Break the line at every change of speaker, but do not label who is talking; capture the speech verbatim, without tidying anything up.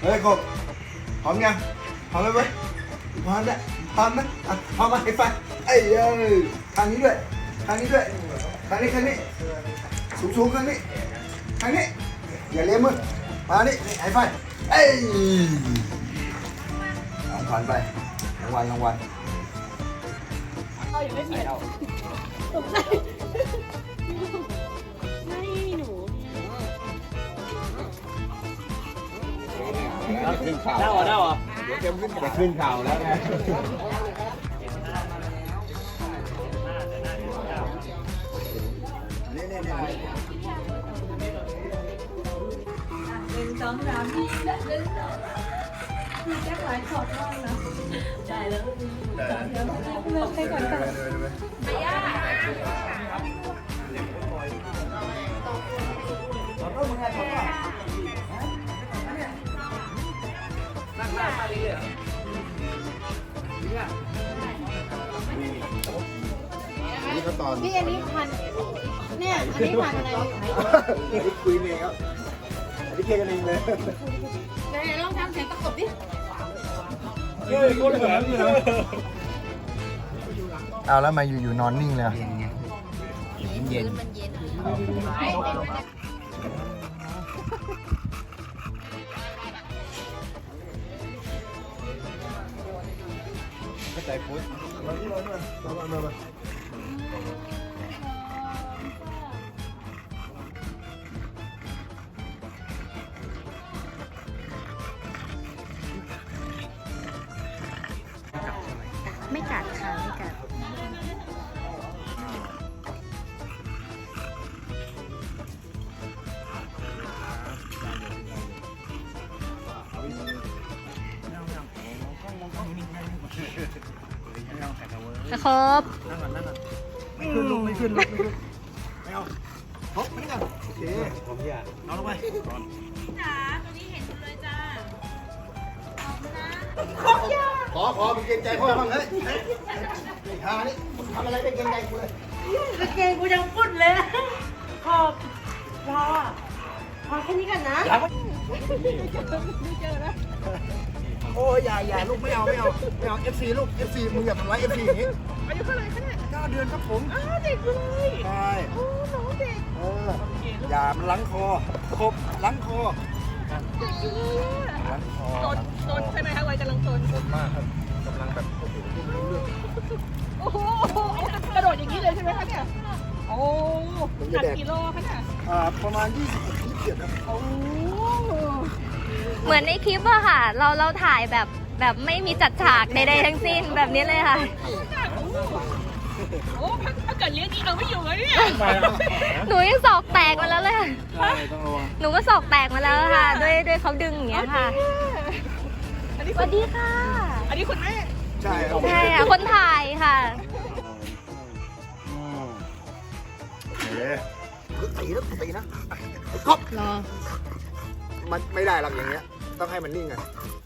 ฮ้ยกบพร้อมยังพร้อมไหมเว้ยพร้อมแล้วพร้อมไหมอ่ะพร้อมมาไฮไฟเอ้ยเอ้ยทางนี้ด้วยทางนี้ด้วยทางนี้ทางนี้สูงสูงทางนี้ทางนี้อย่าเลี้ยงมือมานี่ไฮไฟเอ้ยเอาผ่านไปรางวัลรางวัล
เรายังไม่ผิดตกใจไม่หนู
ขึ้นข่าวได้เหรอได้เหรอเดี๋ยวเตรียมขึ้นจะขึ้นข่าวแล้วไง
นี่นี่นี่
หนึ่งสองสามนี่และหนึ่งสองคือแจ็คหลายช็อตมากนะได้แล้วเดี๋ยวเลือกให้ก่อนค่ะไปย่า
นี่ก็ตอน
พี่อันนี้พันเนี่ยอันนี้พันอะไร
นี่คุยเองครับอันนี้เคลียร์กันเองเลย
ไหนลองทำเสียงประกบดิ
เฮ้ยคนเหมือนเลย
เอาแล้วมาอยู่ๆนอนนิ่งเลย
เย็น
มันเย็น
ก็ใจพุทธ
มาที่มามามามามา
ไม่กัดค่ะไม่กัดครบ
นั่งก่อนนั่งก่อนไม่ขึ้นลุกไม่ขึ้นลุกไม่ขึ้นไม่เอาพบไม่กันโอเคผมอยากเอาลงไป
จ๋าตัวนี้เห็นเลยจ้า
ขอขอเป็นเกรงใจพ่อบ้างเฮ้ยเฮ้ยไอ้ห่านี่ทำอะไรไม่เกรงใจกูเลย
กางเกงกูยังปุ่นเลยขอบพอพอแค่นี้กันนะ
โอ้ยอย่าอย่าลูกไม่เอาไม่เอาไม่เอา เอฟ ซี ลูก เอฟ ซี มึงอย่าทำร้าย เอฟ ซี อย่างนี้
อายุเท่าไหร่คะเนี่ย
เก้าเดือนครับผม
อ้าวเด็กเลย
ใช่
โอ้น้องเด็ก
เอออย่ามันล้างคอครบล้างคอ
เด็กเลยอะ
ล้างคอ
ตนตนใช่ไหมคะวัยกำลังตน
ตนมากครับกำลังแบบโอ้โหพูดไม่รู้เรื่อง
โอ้โหกระโดดอย่างนี้เลยใช่ไหมคะเนี่ยโอ้หนักกิโลคะเนี่ย
อ่าประมาณยี่สิบยี่สิบเจ็ดนะ
โอ้
เหมือนในคลิปอะค่ะ เราเราถ่ายแบบแบบไม่มีจัดฉากใดๆทั้งสิ้นแบบนี้เลยค่ะ
โหถ้าเกิดเลี้ยงนี้เอาไม่อยู่เลยเนี่ย
หนูยังศอกแตกมาแล้วเลยค่ะ
ใช่ต้องระวัง
หนูก็ศอกแตกมาแล้วค่ะ ด้วยด้วยเขาดึงอย่างเงี้ยค่ะ
อันนี้
สวัสดีค่ะ
อันนี้คุณแม่
ใช่ครับ
ใช่ค่ะ คนถ่ายค่ะ
เฮ้ยตีนะตีนะก๊อฟ
รอ
มันไม่ได้หรอกอย่างเงี้ยต้องให้มันนิ่งอ่ะ